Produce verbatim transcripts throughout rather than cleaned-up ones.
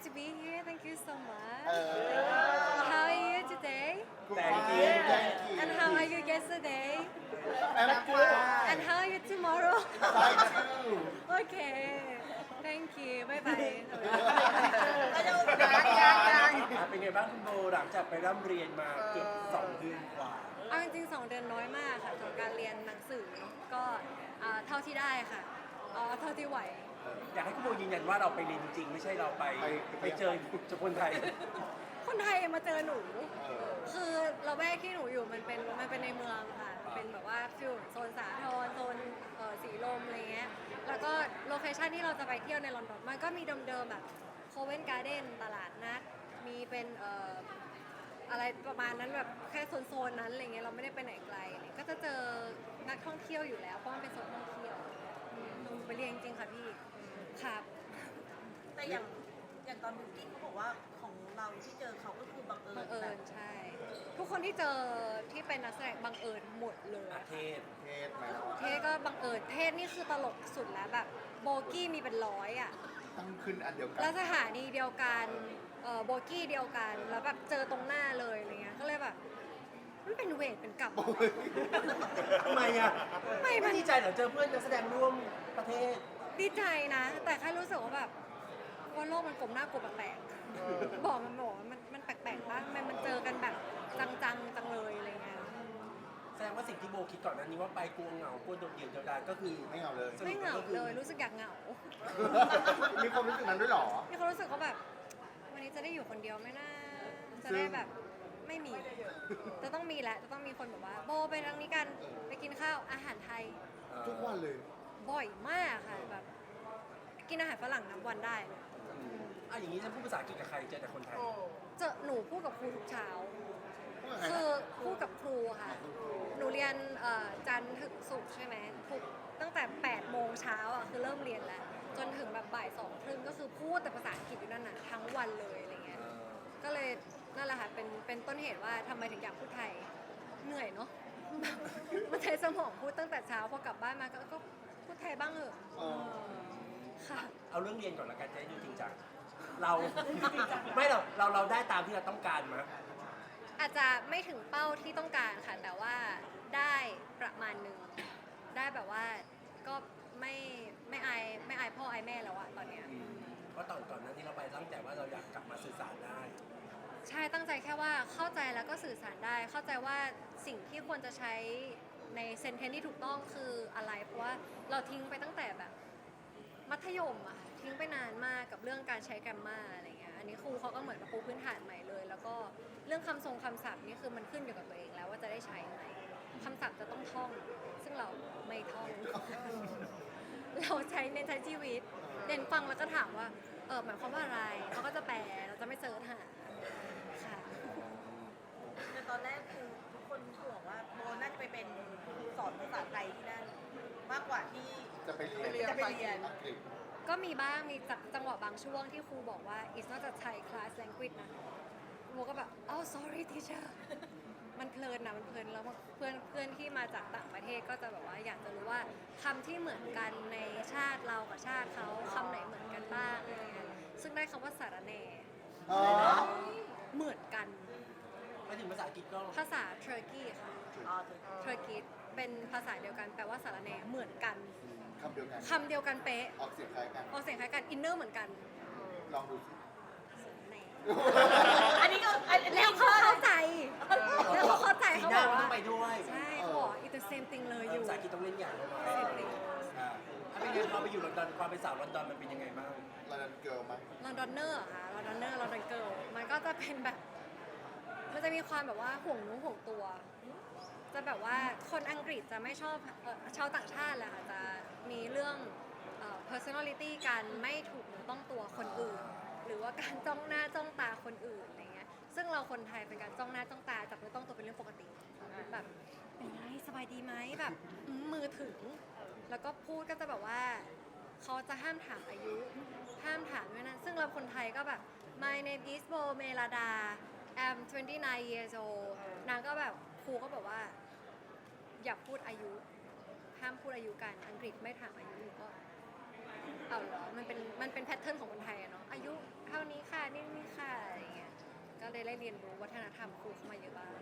to be here. Thank you so much. Uh, How are you today? Thank you. Thank you. And how are you yesterday? I'm fine. And how are you tomorrow? Fine too. Okay. Thank you. Bye bye. เป็นไงบ้างคุณโบหลังจากไปร่ำเรียนมาเกือบสองเดือนกว่าเอาจริงๆสองเดือนน้อยมากค่ะสำหรับการเรียนหนังสือเนาะก็อ่าเท่าที่ได้ค่ะเอาเท่าที่ไหวอยากให้คุณโบยืนยันว่าเราไปเรียนจริงๆไม่ใช่เราไปไปไปเจอจุคนไทยคนไทยมาเจอหนูเออคือเราแวกที่หนูอยู่มันเป็นมันเป็นในเมืองค่ะ เป็นแบบว่าฟิลโซนสาทรโซนเอ่อสีลมอะไรเงี้ย แล้วก็โลเคชั่นที่เราจะไปเที่ยวในลอนดอนมันก็มีเดิมๆแบบโคเวนการ์เด้นตลาดนัด มีเป็นเอ่ออะไรประมาณนั้นแบบแค่โซนๆนั้นอะไรเงี้ยเราไม่ได้ไปไหนไกลอะไรก็จะเจอนักท่องเที่ยวอยู่แล้วเพราะมันเป็นโซนท่องเที่ยวอืมหนูไปเรียนจริงๆค่ะพี่ครับแต่อย่างอย่างตอนบุ๊กิ้งเขาบอกว่าของเราที่เจอเขาก็คือบังเอิญบังเอิแบญบใช่ ทุกคนที่เจอที่เป็นนักแสดงบังเอิญหมดเลยอาเทศเทศไหมล่ะเทศก็บังเอิญเทศนี่คือตลกสุดแล้วแบบโบกี้มีเป็นร้อยอ่ะตั้งขึ้นอันเดียวกันแล้วสถานีเดียวกันเอ่อโบกี้เดียวกันแล้วแบบเจอตรงหน้าเลยอะไรเงี้ยก็เลยแบบมันเป็นเวทเป็นกลับทำไมอ่ะไม่มันดีใจเหรอเจอเพื่อนนักแสดงร่วมประเทศดีใจนะ แต่แค่รู้สึกว่าแบบว่าโลกมันกลมหน้ากลมแปลกเออๆบอกมันบอกว่ามันมันแปลกๆบ้างมันมันเจอกันแบบจังๆจังเลยอะไรเงี้ยแสดงว่าสิ่งที่โบคิดก่อนหนั้นนี้ว่าไปกลัวเหงากลัวโดดเดี่ยวเดียวดายก็คือไม่เอาเลยไม่เหงาเลยรู้สึกอยากเหงามีความรู้สึกนั้นด้วยเหรอมีความรู้สึกว่าแบบ วันนี้จะได้อยู่คนเดียวไหมนะจะได้แบบไม่มี จะต้องมีแหละจะต้องมีคนแบบว่า โบไปทางนี้กันไปกินข้าวอาหารไทยทุกวันเลยบ่อยมากค่ะแบบ กินอาหารฝรั่งนับวันได้เลยอ่ะอย่างนี้จะพูดภาษาอังกฤษกับใครเจอแต่คนไทยเจอหนูพูดกับครูทุกเช้าพูดกับใครคือนะพูดกับครูค่ะ หนูเรียนเอ่อจันทร์ถึงศุกร์ใช่ไหมทุกตั้งแต่แปดโมงเช้าอ่ะคือเริ่มเรียนแล้ว จนถึงแบบบ่ายสองครึ่งก็คือพูดแต่ภาษาอังกฤษอยู่นั่นน่ะทั้งวันเลยอะไรเงี้ย ก็เลยนั่นแหละค่ะเป็นเป็นต้นเหตุว่าทำไมถึงอยากพูดไทยเหนื่อยเนาะ มันใช้สมองพูดตั้งแต่เช้าพอกลับบ้านมาก็ก็พูดไทยบ้างเหอะเออค่ะเอาเรื่องเรียนก่อนละกันจะได้ดูจริงจังเรา ไม่หรอกเราเราได้ตามที่เราต้องการมาอาจจะไม่ถึงเป้าที่ต้องการค่ะ แต่ว่าได้ประมาณหนึ่งได้แบบว่าก็ไม่ไม่อายไม่อายพ่ออายแม่แล้วอะตอนเนี้ยเพราะตอนก่อนหนั้นที่เราไปตั้งแต่ว่าเราอยากกลับมาสื่อสารได้ใช่ตั้งใจแค่ว่าเข้าใจแล้วก็สื่อสารได้ เข้าใจว่าสิ่งที่ควรจะใช้ในเซนเทนที่ถูกต้องคืออะไร เพราะว่าเราทิ้งไปตั้งแต่แบบมัธยมอะค่ะทิ้งไปนานมากกับเรื่องการใช้แกรมมาอะไรเงี้ยอันนี้ครูเขาก็เหมือนมาปูพื้นฐานใหม่เลย แล้วก็เรื่องคำทรงคำศัพท์นี่คือมันขึ้นอยู่กับตัวเองแล้วว่าจะได้ใช้ไหมคำศัพท์จะต้องท่อง ซึ่งเราไม่ท่อง เราใช้ในใช้ชีวิตเด่นฟังแล้วก็ถามว่าเออหมายความว่าอะไรเขาก็จะแปลเราจะไม่เซิร์ชหาค่ะแต่ตอนแรกคือทุกคนห่วงว่าโบน่าจะไปเป็นครูสอนภาษาไทยที่นั่นมากกว่าที่จะไปเรียนจะไปเรียนอังกฤษก็มีบ้างมีจังจังหวะบางช่วงที่ครูบอกว่า it's not a Thai class language นะโมก็แบบ oh sorry teacher มันเพลินนะมันเพลินแล้วเพื่อนเพื่อนที่มาจากต่างประเทศก็จะแบบว่าอยากจะรู้ว่าคำที่เหมือนกันในชาติเรากับชาติเขาคำไหนเหมือนกันบ้างอะไรเงี้ยซึ่งได้คำว่าสารแหน่อ๋อเหมือนกันมาถึงภาษาอังกฤษก็ภาษาเทอร์กีค่ะอ๋อเทอร์กีเป็นภาษาเดียวกันแปลว่าสารแหน่เหมือนกันคำเดียวกันคำเดียวกันเป๊ะออกเสียงคล้ายกันออกเสียงคล้ายกันอินเนอร์เหมือนกันลองดูสิแหน่อันนี้ก็อันนี้แล้วเขาเข้าใจ แล้วเขาเข้าใจสีเขาหบน้าอกมันต้ว่าองไปด้วยใช่เขาบอก it's the same thing เลยอยู่ภาษาอังกฤษต้องเล่นอย่างเราไว้ same thing อ่าอ่ะเป็นไงพอไปอยู่ลอนดอนความเป็นสาวลอนดอนมันเป็นยังไงบ้างลอนดอนเกิร์ลไหมลอนดอนเนอร์ค่ะลอนดอนเนอร์ลอนดอนเกิร์ลมันก็จะเป็นแบบ มันจะมีความแบบว่าห่วงหนู้ห่วงตัว จะแบบว่าคนอังกฤษจะไม่ชอบเอ่อชาวต่างชาติแหละค่ะจะมีเรื่องเอ่อ personality การไม่ถูกเนื้อต้องตัวคนอื่น หรือว่าการจ้องหน้าจ้องตาคนอื่นอะไรเงี้ยซึ่งเราคนไทยเป็นการจ้องหน้าจ้องตาจับเนื้อต้องตัวเป็นเรื่องปกติแบบเป็นไงสบายดีไหมแบบอืมมือถึง แล้วก็พูดก็จะแบบว่าเขาจะห้ามถามอายุ ห้ามถามด้วยนะซึ่งเราคนไทยก็แบบ my name is Bo Melada I'm twenty-nine years old นางก็แบบครูก็บอกว่า อย่าพูดอายุ ห้ามพูดอายุกัน อังกฤษไม่ถามอายุหนูก็เอาเหรอมันเป็นมันเป็นแพทเทิร์นของคนไทยอะเนาะอายุเท่านี้ค่ะได้เรียนรู้วัฒนธรรมครูเข้ามาเยอะบ้าง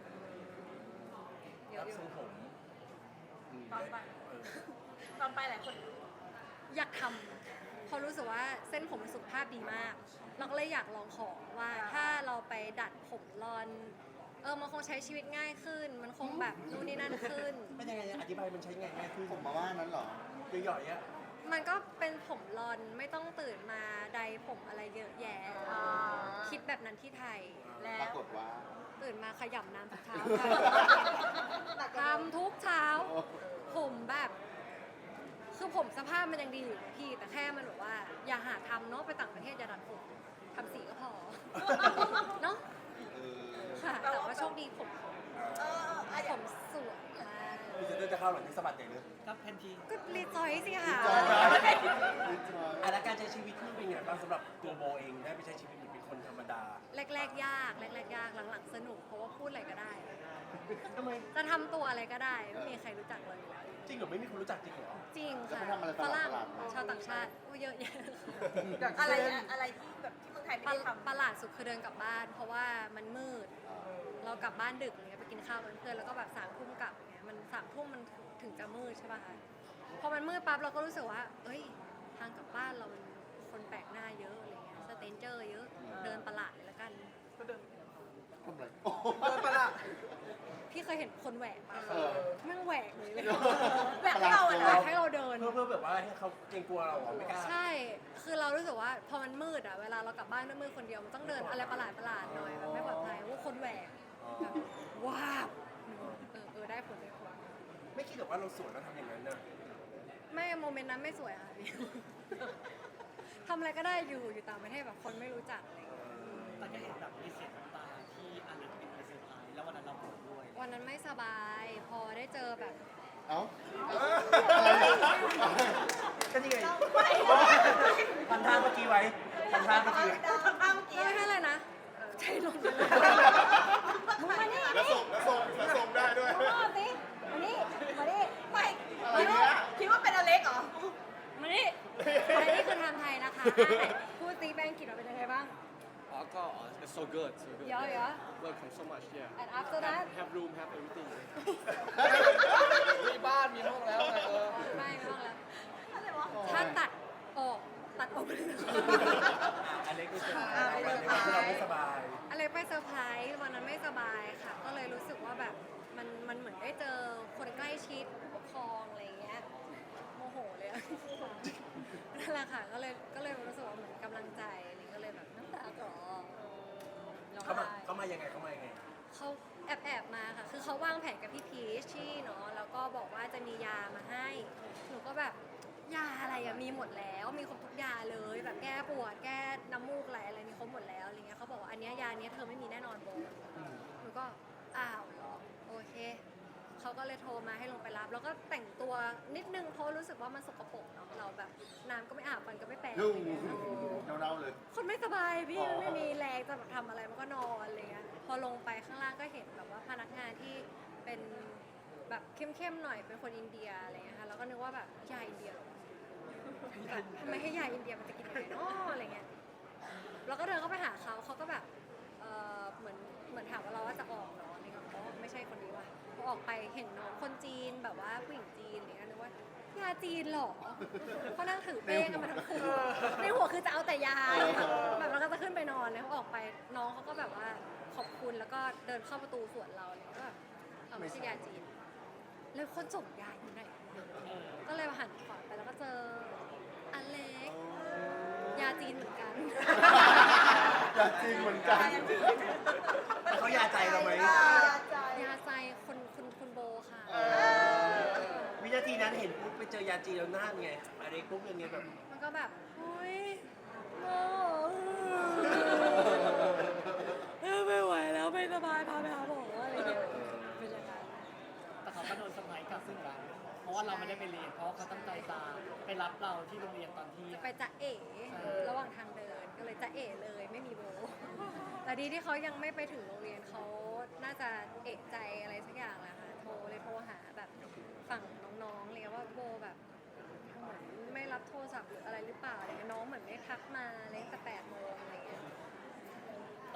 เยรัอะบอยู่ทรงผมตอนไปเออตอนไปหลายคนอยากทำเพราะรู้สึกว่าเส้นผมมันสุขภาพดีมาก เราก็เลยอยากลองของว่าถ้าเราไปดัดผมรอน เออมันคงใช้ชีวิตง่ายขึ้น มันคงแบบนู่นนี่นั่นขึ้นเป็นยังไงอธิบายมันใช้ไงง่ายขึ้นผมมาว่านั้นเหรอหย่อยๆอ่ะมันก็เป็นผมรอนไม่ต้องตื่นมาใดผมอะไรเยอะแยะอ่าคิดแบบนั้นที่ไทยแล้ปราว กฏว่าตื่นมาขยำน้ำทุกเช้าหนักกว่าเดิมทำทุกเช้า ผมแบบ คือผมสภาพมันยังดีอยู่นะพี่ แต่แค่มันแบบว่า อย่าหาทำเนาะไปต่างประเทศอย่าดัดผมทำสีก็พอ เนาะเออค่ะ แต่ว่าโชคดีผมเอออะอผย่างมสวยมากพี่จะจะเข้าหลังที่สะบัดใหญ่เลยครับแพนทีก็รีจอยสิค่ะอ่ะแล้วการใช้ชีวิตที่เป็นไงบ้างสำหรับตัวโบเองได้ไปใช้ชีวิตเหมือนเป็นคนธรรมดาแรกๆยากแรกๆยากหลังๆสนุกเพราะว่าพูดอะไรก็ได้ทำไมจะทำตัวอะไรก็ได้ไม่มีใครรู้จักเราอยู่แล้วจริงเหรอไม่มีคนรู้จักจริงเหรอจริงแล้วค่ะไปทำอะไรฝรั่งประหลาดๆมาชาวต่างชาติโอ้เยอะแยะอะไรอะอะไรที่แบบที่เมืองไทยไม่ประได้ทำประหลาดสุดคือเดินกลับบ้าน เพราะว่ามันมืด เรากลับบ้านดึกอย่างเงี้ยไปกินข้าวกับเพื่อนแล้วก็แบบสามทุ่มกลับอย่างเงี้ยมันสามทุ่มมันถึงจะมืดใช่ป่ะคะพอมันมืดปั๊บเราก็รู้สึกว่า เอ้ยทางกลับบ้านเรามันคนแปลกหน้าเยอะอะไรเงี้ยสเตนเจอร์เยอะเดินประหลาดเลยละกันทำอะไรโอ้โหพี่เคยเห็นคนแหวกปะเออแม่งแหวกเลยเลยแหวกให้เราอะแหวนะกให้เราเดินเพื่อเพื่อแบบว่าให้เขาเกรงกลัวเราเหรอไม่กล้าใช่ คือเรารู้สึกว่าพอมันมืดอะเวลาเรากลับบ้านด้วยมืดคนเดียวมันต้องเดินอะไรประหลาดประหลาดๆหน่อยแบบไม่ปลอดภัยว่าคนแหวกแบบว้าวเออเออได้ผลได้ผลไม่คิดหรอกว่าเราสวยแล้วทำอย่างนั้นนะไม่โมเมนต์นั้นไม่สวยค่ะพี่ ทำอะไรก็ได้อยู่อยู่ต่างประเทศแบบคนไม่รู้จักอะไรอย่างเงี้ยแต่ก็เห็นแบบมีเสียงน้ำตาที่อเล็กเป็นไปเซอร์ไพรส์แล้ววันนั้นเราโกรธด้วยวันนั้นไม่สบาย พอได้เจอแบบเอ้าก็นี่ไงพันท่าเมื่อกี้ไว้พันท่าเมื่อกี้ทำท่าเมื่อกี้ไม่ใช่อะไรนะใจลงไปเลยมึงมานี่แล้วส่งแล้วส่งแล้วส่งได้ด้วยมาสิมานี่มานี่ไม่อะไรเนี่ยคิดว่าเป็นอเล็กเหรอมานี่อันนี้คือไทม์ไทยนะคะอ่ะไหนพูดตีแบงกิตเราเป็นยังไงบ้างอ๋อก็ it's so good so good Yeah, yeah. welcome so much yeah and after that have room have everything มีบ้านมีห้องแล้วไงเออไม่ไม่ต้องแล้วอะไรวะถ้าตัดออกตัดออกไปเลยอเล็กไม่สบายวันที่เราไม่สบายอะไรไปเซอร์ไพรส์วันนั้นไม่สบายค่ะ ก็เลยรู้สึกว่าแบบมันมันเหมือนได้เจอคนใกล้ชิดผู้ปกครองอะไรอย่างเงี้ยโมโหเลยอะ นั่นแหละค่ะก็เลยก็เลยรู้สึกว่าเหมือนกำลังใจอะไรก็เลยแบบน้ำตาก่อร้องเขามาไห้เขามายังไงเขามายังไงเขาแอบแอบมาค่ะ คือเขาวางแผนกับพี่พีชชี่เนาะแล้วก็บอกว่าจะมียามาให้หนูก็แบบยาอะไรอะมีหมดแล้วมีครบทุกยาเลยแบบแก้ปวดแก้น้ำมูกไหลอะไรมีครบหมดแล้วอะไรเงี้ยเขาบอกว่าอันเนี้ยยาเนี้ยเธอไม่มีแน่นอนโบหนูก็อ้าวเหรอโอเคเขาก็เลยโทรมาให้ลงไปรับ แล้วก็แต่งตัวนิดนึงเพราะรู้สึกว่ามันสกปรกเนาะเราแบบน้ำก็ไม่อาบฟันก็ไม่แปรงยุ่อะไรงเงี้ยเน่าๆเลยคนไม่สบายพี่อ๋อไม่มีแรงจะแบบทำอะไรมันก็นอนอะไรเงี้ยพอลงไปข้างล่างก็เห็นแบบว่าพนักงานที่เป็นแบบเข้มๆหน่อยเป็นคนอินเดียอะไรเงี้ยค่ะแล้วก็นึกว่าแบบยาอินเดียเหรอแบบทำไมให้ยาอินเดียมันจะกินยังไงเนาะอะไรเงี้ยเราก็เดินเข้าไปหาเขาเขาก็แบบเออเหมือนเหมือนถามว่าเราว่าจะออกเหรออะไรเงี้ยอ๋อไม่ใช่คนนี้ว่ะพอออกไปเห็นน้องคนจีนแบบว่าผู้หญิงจีนอะไรเงี้ยนึกว่ายาจีนเหรอเขานั่งถือเป้กันมาทั้งคืนในหัวคือจะเอาแต่ยาแบบเราก็จะขึ้นไปนอนเลยเขาออกไปน้องเขาก็แบบว่าขอบคุณแล้วก็เดินเข้าประตูสวนเราเลยก็แบบเอาไม่ใช่ยาจีนแล้วคนส่งยาอยู่ไหนก็เลยหันขวาไปแล้วก็เจออเล็กยาจีนเหมือนกันอยากจริงเหมือนกันแล้วเขายาใจเราไหมยาใจยาใจคนคุณคุณโบค่ะเออวินาทีนั้นเห็นปุ๊บไปเจอยาจีนแล้วหน้าเป็นไงอเล็กปุ๊บยังไงแบบมันก็แบบเฮ้ยโมเออไม่ไหวแล้วไม่สบายพาไปหาหมออะไรอย่างเงี้ยเป็นอย่างนั้นแต่เขาก็โดนเซอร์ไพรส์กลับซึ่งเราเพราะว่าเราไม่ได้ไปเรียน เพราะว่าเขาตั้งใจจะไปรับเราที่โรงเรียนตอนที่จะไปจะเอ๋ระหว่างทางเดินก็เลยจะเอ๋เลยไม่มีโบ แต่ดีที่เขายังไม่ไปถึงโรงเรียนเขาน่าจะเอะใจอะไรสักอย่างแหละค่ะโทรเลยโทรหาแบบฝั่งน้องๆเลยว่าโบแบบเหมือนไม่รับโทรศัพท์หรืออะไรหรือเปล่าอะไรเงี้ยน้องเหมือนไม่ทักมาเลยตั้งแต่แปดโมงอะไรเงี้ยตอน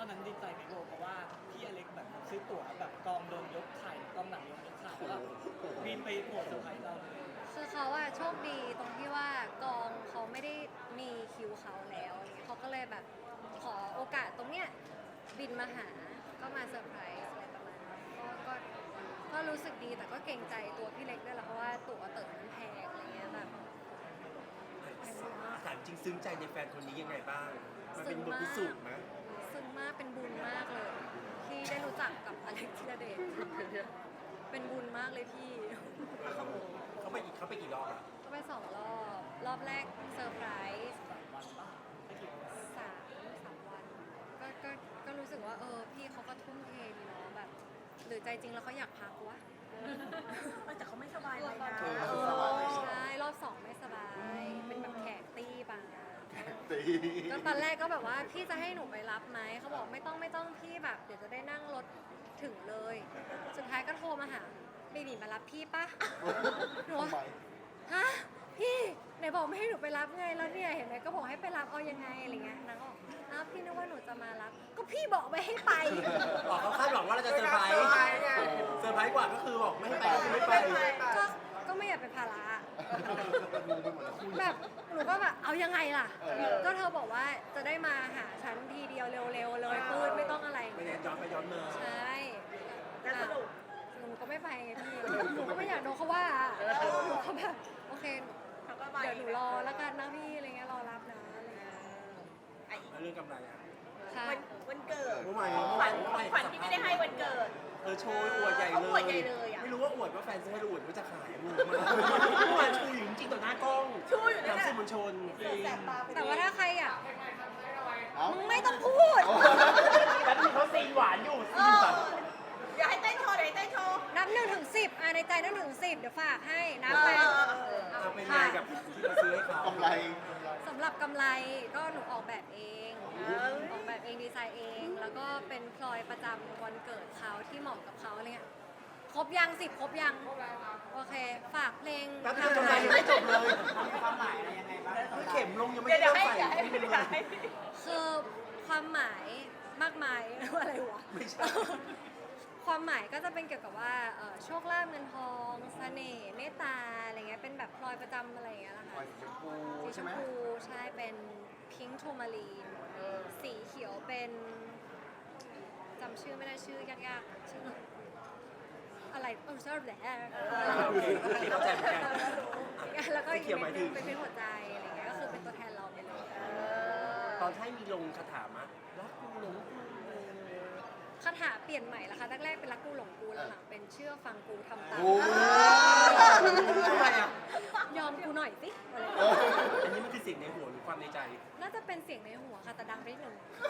อนนั้นดีใจไหมโบเพราะว่าพี่อเล็กแบบซื้อตั๋วแบบกองเดินยกไข่กองหลังยกยกไข่แล้วก็บินไปโผล่เซอร์ไพรส์เราเลยคือเขาอะโชคดีตรงที่ว่ากองเขาไม่ได้มีคิวเขาแล้วอะไรเงี้ยเขาก็เลยแบบขอโอกาสตรงเนี้ยบินมาหาก็มาเซอร์ไพรส์อะไรประมาณนั้นก็ก็ก็รู้สึกดีแต่ก็เกรงใจตัวพี่เล็กด้วยแหละเพราะว่าตั๋วเติมมันแพงอะไรเงี้ยแบบแพงมากถามจริงซึ้งใจในแฟนคนนี้ยังไงบ้าง มันเป็นบทพิสูจน์ไหมซึ้งมากเป็นบุญมากเลย ที่ได้รู้จักกับอเล็กธีรเดชเป็นบุญมากเลยพี่เขาไปอีกเขาไปกี่รอบอะก็ไปสองรอบ รอบแรกเซอร์ไพรส์วันปะไม่กี่วันสามสามวันก็ก็ก็รู้สึกว่าเออพี่เขาก็ทุ่มเทดีเนาะแบบ หรือใจจริงแล้วเขาอยากพักวะแต่เขาไม่สบายเลยนะเออเอสบายอใช่รอบสองไม่สบาย เป็นแบบแขกตี้ปะตีก็ตอนแรกก็แบบว่าพี่จะให้หนูไปรับไหมเขาบอกไม่ต้องไม่ต้องพี่แบบเดี๋ยวจะได้นั่งรถถึงเลย สุดท้ายก็โทรมาหาเบบีมารับพี่ปะหนูทำไมฮะพี่ไหนบอกไม่ให้หนูไปรับไงแล้วเนี่ยเห็นไหมก็บอกให้ไปรับเอายังไงอะไรเงี้ยนางก็บอกอ้าวพี่นึกว่าหนูจะมารับ ก็พี่บอกไม่ให้ไปบอกเขาคาดหวังว่าเราจะเซอร์ไพรส์เซอร์ไพรส์กว่าก็คือบอกไม่ให้ไปก็คือไม่ไปก็ก็ไม่อยากเป็นภาระงงไปหมดแล้วคู่แบบหนูก็แบบเอายังไงล่ะเออก็เธอบอกว่าจะได้มาหาฉันทีเดียวเร็วๆเลยปืนไม่ต้องอะไรไม่งั้นย้อนไปย้อนมาใช่แล้วสรุปหนูก็ไม่ไปไงพี่หนูก็ไม่อยากโดนเขาว่าหนูก็แบบโอเคเขาก็ไปเดี๋ยวหนูรอแล้วกันนะพี่อะไรเงี้ยรอรับนะอะไรเงี้ยไอ้แล้วเรื่องกำไรอะค่ะวันวันเกิดเมื่อวานขวัญขวัญที่ไม่ได้ให้วันเกิดเออโชว์อวดใหญ่เขาเลอวดใหญ่เลยอะไม่รู้ว่าอวดว่าแฟนซื้อให้หรืออวดว่าจะขายงงมากเมื่อวานชูอยู่จริงๆต่อหน้ากล้องชูอยู่นั่นทำน่ะสื่อมวลชนจริงแสบตาไปแต่ว่าถ้าใครอ่ะเอ้ามึงไม่ต้องพูดแล้วมีเขาซีนหวานอยู่เอซีนอแบบอย่าให้เต้นโชว์เดี๋ยวให้เต้นโชว์นับหนึ่งถึงสิบอ่ะในใจนับหนึ่งถึงสิบเดี๋ยวฝากให้นับไปเออเออเอาเป็นไงกับที่เราซื้อให้เขากำไรสำหรับกำไรก็หนูออกแบบเอง ออกแบบเองดีไซน์เอง แล้วก็เป็นพลอยประจำวันเกิดเขาที่เหมาะกับเขาอะไรเงี้ยครบยังสิบครบยังโอเค ฝากเพลงแป๊บนึงทำไมยังไม่จบเลยความหมายอะไรยังไงบ้างเข็มลงยังไม่เดี๋ยวได้เดี๋ยวให้ใส่เดี๋ยวให้ไม่เป็นเดี๋ยวไรให้คือความหมายมากมาย อะไรวะไม่ใช่ความหมายก็จะเป็นเกี่ยวกับว่าเอ่อโชคลาภเงินทองเสน่ห์เมตตาอะไรเงี้ยเป็นแบบพลอยประจำอะไรอย่างเงี้ยนะปล่คะอยสีชมพูสีชใช่มไหมพูใช่เป็นพิงค์ทูมารีนสีเขียวเป็นจำชื่อไม่ได้ชื่อยากๆชื่ออะไรเออชอบแหละโอเคโอเคเข้าใจเหมือนกันแล้วก็อีกสีเขียวหมายถึงเป็นเป็นหัวใจอะไรเงี้ยก็คือเป็นตัวแทนเราไปเลยตอนให้มีลงคาถามะรักกูหลงกูคาถาเปลี่ยนใหม่ละคะแรกๆเป็นรักกูหลงกูหลังๆเป็นเชื่อฟังกูทำตามโอ้ทำไมอ่ะยอมกูหน่อยสิอะไรเอออันนี้มันคือสิ่งในหัวหรือความในใจน่าจะเป็นเสียงในหัวค่ะแต่ดังไปนิดนึง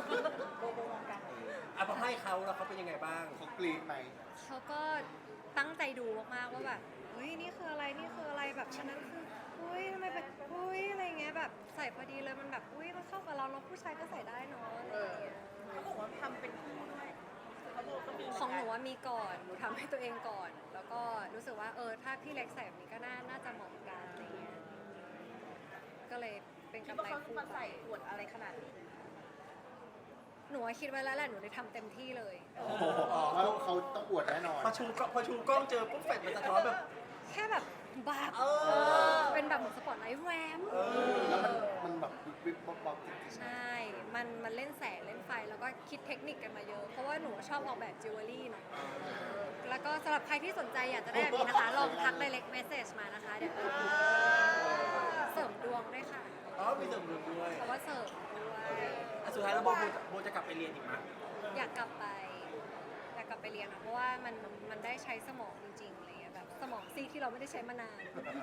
อ่ะพอให้เขาแล้วเขาเป็นยังไงบ้างเขากรี๊ดไหมเขาก็ตั้งใจดูมากๆว่าแบบเฮ้ยนี่คืออะไรนี่คืออะไรแบบอันนั้นคืออุ้ยทำไมแบบอุ้ยอะไรเงี้ยแบบใส่พอดีเลยมันแบบอุ้ยมันเข้ากับเราเนาะผู้ชายก็ใส่ได้เนาะอะไรอย่างเงี้ยเขาบอกว่าทำเป็นคู่ด้วยเขาบอกก็มีของหนูว่ามีก่อนหนูทำให้ตัวเองก่อน แล้วก็รู้สึกว่าเออถ้าพี่เล็กใส่แบบนี้ก็น่าน่าจะเหมาะกันอะไรเงี้ยก็เลยเป็นคิดกำว่าไรเขาจะคู่มาไปใส่อวดอะไรขนาดนี้หนูว่าคิดไว้แล้วแหละหนูได้ทำเต็มที่เลยโอ้โหเขาเขาต้องอวดแน่นอนพอชูก็พอชูกล้องเจอปุ๊บแฟดมันสะท้อนแบบแค่แบบบาบเออเป็นแบบเหมือนสปอตไลท์แวมเออแล้วมันมันแบบวิบวิบบ๊อบบ๊อบจริงใช่ มันมันเล่นแสงเล่นไฟแล้วก็คิดเทคนิคกันมาเยอะ เพราะว่าหนูชอบออกแบบจิวเวลรี่เนาะแล้วก็สำหรับใครที่สนใจอยากจะได้แบบนี้นะคะ ลองทัก direct message มานะคะ เดี๋ยวเสริมดวงด้วยค่ะอ๋อมีเสริมดวงด้วยเพราะว่าเสริมด้วยอ่ะสุดท้ายแล้วโบโบจะโบจะกลับไปเรียนอีกไหมอยากกลับไป อยากกลับไปเรียนค่ะเพราะว่ามันมันได้ใช้สมองจริงๆอะไรเงี้ยแบบสมองซีกที่เราไม่ได้ใช้มานาน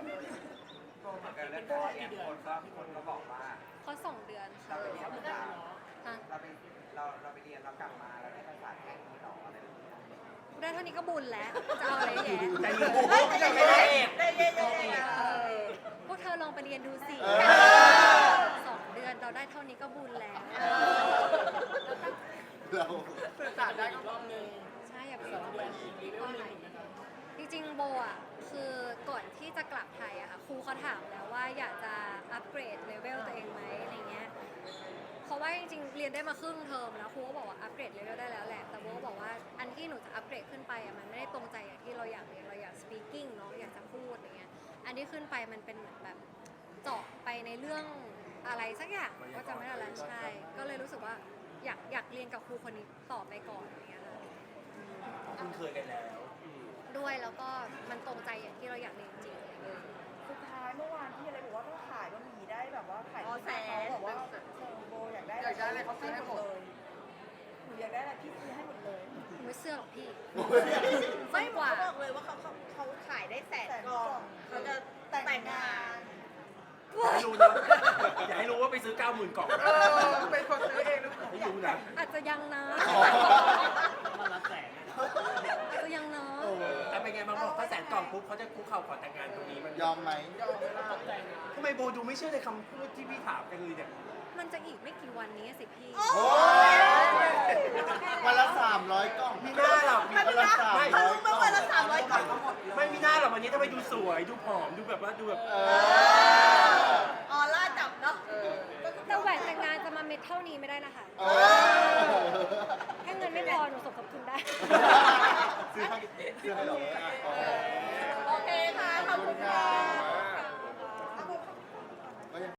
เป็นโบกี่เดือนครับพี่คนก็บอกว่าเพราะสองเดือนค่ะเขาเหมือนกันเนาะฮะเราไปเราเราไปเรียนเรากลับมาเราได้ภาษาแค่นี้หรออะไรแบบนี้ได้เท่านี้ก็บุญแล้ว จะเอาอะไรแย่ใจเย็นโบไม่ได้ไม่ได้ได้เย็นได้เย็นเออพวกเธอลองไปเรียนดูสิสองเดือนเราได้เท่านี้ก็บุญแล้วๆเราสื่อสารได้อีกรอบนึงใช่อย่าไปสองเดือนอีกอีเรื่ข้อองหไหนนึ่งนะครับจริงๆโบอ่ะคือก่อนที่จะกลับไทยอะค่ะครูเขาถามแล้วว่าอยากจะอัปเกรดเลเวลตัวเองไหมอะไรเงี้ยเพราะว่าจริงๆเรียนได้มาครึ่งเทอมแล้วครูก็บอกว่าอัปเกรดเลเวลได้แล้วแหละแต่โบก็บอกว่าอันที่หนูจะอัปเกรดขึ้นไปอะมันไม่ได้ตรงใจอย่างที่เราอยากเรียนเราอยาก speaking เนาะอยากจะพูดอย่างเงี้ยอันที่ขึ้นไปมันเป็นเหมือนแบบเจาะไปในเรื่องอะไรสักอย่างก็จะไม่ได้แล้วใช่ก็เลยรู้สึกว่าอยากอยากเรียนกับครูคนนี้ต่อไปก่อนอย่างเงี้ยค่ะคุ้นเคยกันแล้วด้วยแล้วก็มันตรงใจอย่างที่เราอยากเรียนจริงอะไรเงี้ยสุดท้ายเมื่อวานพี่อะไรบอกว่าต้องขายบะหมี่ได้แบบว่าขายแสนบอกว่าเออโบอยากได้อยากได้อะไรเขาซื้อให้หมดเลยหนูอยากได้อะไรพี่ซื้อให้หมดเลยไม่เสื้อหรอกพี่ไม่กว่าเขาบอกเลยว่าเขาเขาเขาขายได้แสนกล่องเขาจะแต่งงานอย่าให้รู้นะอย่าให้รู้ว่าไปซื้อเก้าหมื่นกล่องเออเป็นคนซื้อเองหรือเปล่าไม่รู้นะอาจจะยังนะมันละแสนอาจจะยังนะโอ้แต่เป็นไงบางบอกถ้าแสนกล่องปุ๊บเขาจะคุกเข่าขอแต่งงานตรงนี้มันยอมไหมยอมไม่ได้ทำไมโบดูไม่เชื่อในคำพูดที่พี่ถามกันเลยเนี่ยมันจะอีกไม่กี่วันนี้สิพี่โอ้ยวันละสามร้อยกล่องมีหน้าหรอกมีวันละสามไม่ร้เขาอยรู้กไหมล่องวันละสามร้อยกล่องไม่มีหน้าหรอกวันนี้ทำไมดูสวยดูผอมดูแบบว่าดูแบบเออออร่าจับเนาะแต่แหวนแต่งงานจะมาเม็ดเท่านี้ไม่ได้นะคะเออถ้าเงินไม่พอหนูสมทบทุนได้ซื้อให้ซื้อให้เราโอเคค่ะ ขอบคุณค่ะ